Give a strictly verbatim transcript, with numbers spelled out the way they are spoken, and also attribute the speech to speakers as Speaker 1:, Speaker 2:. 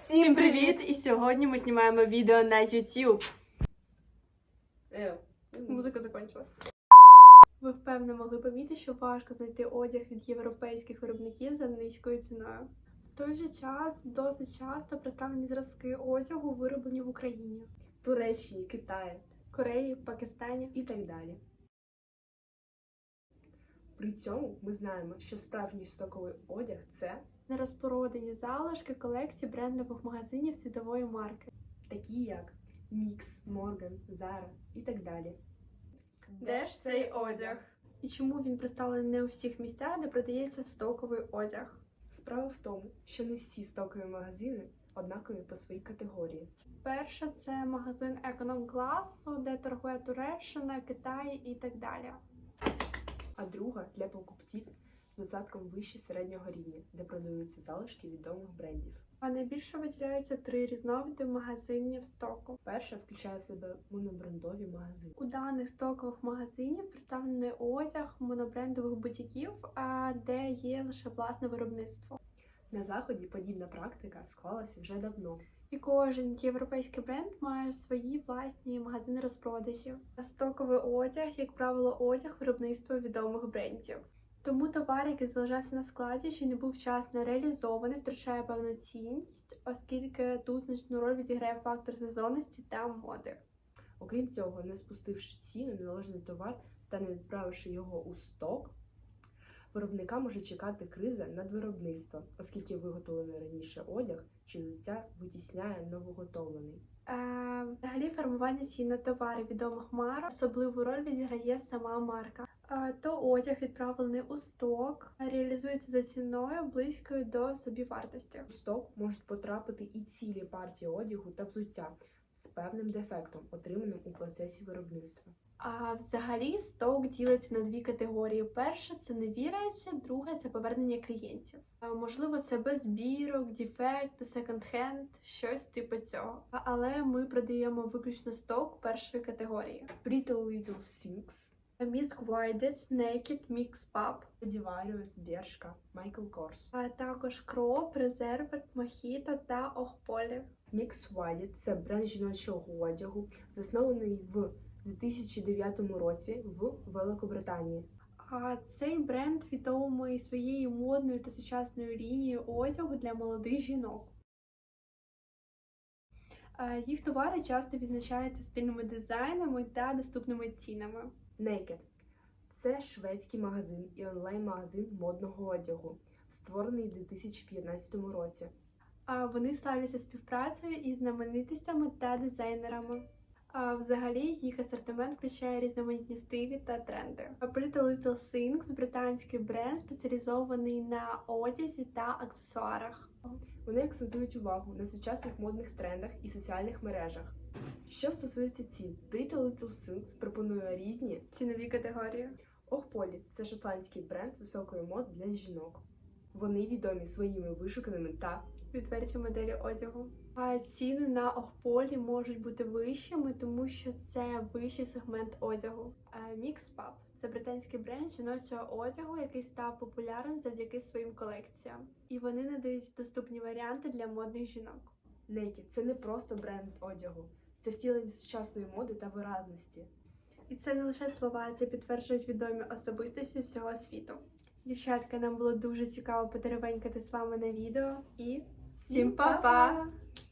Speaker 1: Всім привіт! І сьогодні ми знімаємо відео на YouTube.
Speaker 2: Е,
Speaker 1: Музика закінчила. Ви впевнено могли помітити, що важко знайти одяг від європейських виробників за низькою ціною. В той же час досить часто представлені зразки одягу вироблені в Україні,
Speaker 2: Туреччині, Китаї
Speaker 1: Кореї, Пакистані.
Speaker 2: і так далі. При цьому ми знаємо, що справжній стоковий одяг – це
Speaker 1: Нерозпродані залишки колекцій брендових магазинів світової марки.
Speaker 2: такі як Мікс, Морган, Зара і так далі.
Speaker 1: Де ж цей одяг? І чому він представлений не у всіх місцях, де продається стоковий одяг?
Speaker 2: Справа в тому, що не всі стокові магазини однакові по своїй категорії.
Speaker 1: Перше – це магазин економ-класу, де торгує Туреччина, Китай і так далі.
Speaker 2: А друга – для покупців з достатком вище середнього рівня, де продаються залишки відомих брендів.
Speaker 1: А найбільше виділяються три різновиди магазинів стоку.
Speaker 2: Перша включає в себе монобрендові магазини.
Speaker 1: У даних стокових магазинів представлений одяг монобрендових бутіків, а де є лише власне виробництво.
Speaker 2: На Заході подібна практика склалася вже давно.
Speaker 1: І кожен європейський бренд має свої власні магазини розпродажів. Стоковий одяг, як правило, одяг виробництва відомих брендів. Тому товар, який залишався на складі, чи не був вчасно реалізований, втрачає певну цінність, оскільки тут значну роль відіграє фактор сезонності та моди.
Speaker 2: Окрім цього, не спустивши ціну на належний товар та не відправивши його у сток, виробника може чекати криза надвиробництва, оскільки виготовлений раніше одяг чи взуття витісняє новоготовлений.
Speaker 1: Е, взагалі, формування цін на товари відомих марок особливу роль відіграє сама марка. Е, то одяг, відправлений у сток, реалізується за ціною близькою до собівартості.
Speaker 2: У сток можуть потрапити і цілі партії одягу та взуття з певним дефектом, отриманим у процесі виробництва.
Speaker 1: А взагалі сток ділиться на дві категорії. Перша – це нові речі, друга – це повернення клієнтів. А, можливо, це без збірок, дефект, секонд-хенд, щось типу цього. А, але ми продаємо виключно сток першої категорії.
Speaker 2: Pretty Little Things,
Speaker 1: Miss Guided, Naked, Mix Pub,
Speaker 2: Stradivarius, Bershka, Michael Kors.
Speaker 1: а також Кроп, Резервет, Мохіто та Охполі.
Speaker 2: Mix Wild – це бренд жіночого одягу, заснований в дві тисячі дев'ятому році в Великобританії.
Speaker 1: А цей бренд відомий своєю модною та сучасною лінією одягу для молодих жінок. А їх товари часто відзначаються стильними дизайнами та доступними цінами.
Speaker 2: Naked – це шведський магазин і онлайн-магазин модного одягу, створений у дві тисячі п'ятнадцятому році.
Speaker 1: А вони славляться співпрацею із знаменитостями та дизайнерами. А взагалі їх асортимент включає різноманітні стилі та тренди. А Pretty Little Things – британський бренд, спеціалізований на одязі та аксесуарах.
Speaker 2: Вони акцентують увагу на сучасних модних трендах і соціальних мережах. Що стосується цін, Pretty Little Things пропонує різні
Speaker 1: Цінові категорії.
Speaker 2: Охполі – це шотландський бренд високої моди для жінок. Вони відомі своїми вишуканими та
Speaker 1: Відверті моделі одягу. А ціни на Охполі можуть бути вищими, тому що це вищий сегмент одягу. Mix Pub – це британський бренд жіночого одягу, який став популярним завдяки своїм колекціям. І вони надають доступні варіанти для модних жінок.
Speaker 2: Naked – це не просто бренд одягу, це втілення сучасної моди та виразності.
Speaker 1: І це не лише слова, це підтверджують відомі особистості всього світу. Дівчатка, нам було дуже цікаво потеревенькати з вами на відео. І всім па-па!